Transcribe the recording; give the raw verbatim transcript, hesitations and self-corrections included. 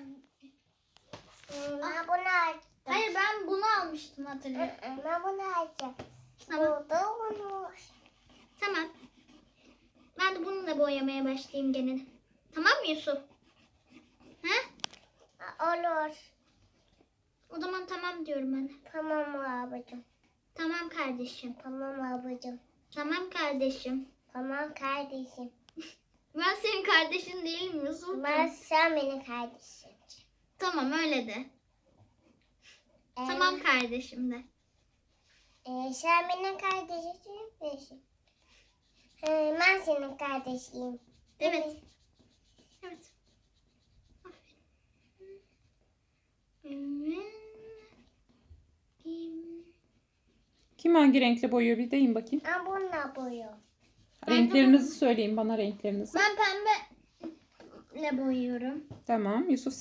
Ben bunu açtım. Hayır, ben bunu almıştım, hatırlıyorum. Ben bunu açtım. Tamam. Burada bunu. Tamam. Ben de bununla boyamaya başlayayım gene. Tamam mı Yusuf? He? Olur. O zaman tamam diyorum ben. Tamam abicim. Tamam kardeşim. Tamam abicim. Tamam kardeşim. Tamam kardeşim. Ben senin kardeşin değilim Yusuf. Ben sen benim kardeşim. Tamam, öyle de. Ee, Tamam kardeşim de. E, sen benim kardeşim. Ee, ben senin kardeşiyim. Evet. Evet. Aferin. Kim hangi renkle boyuyor bir deyin bakayım. Ben bununla boyuyorum. Renklerinizi söyleyin bana renklerinizi. Ben pembeyle boyuyorum. Tamam. Yusuf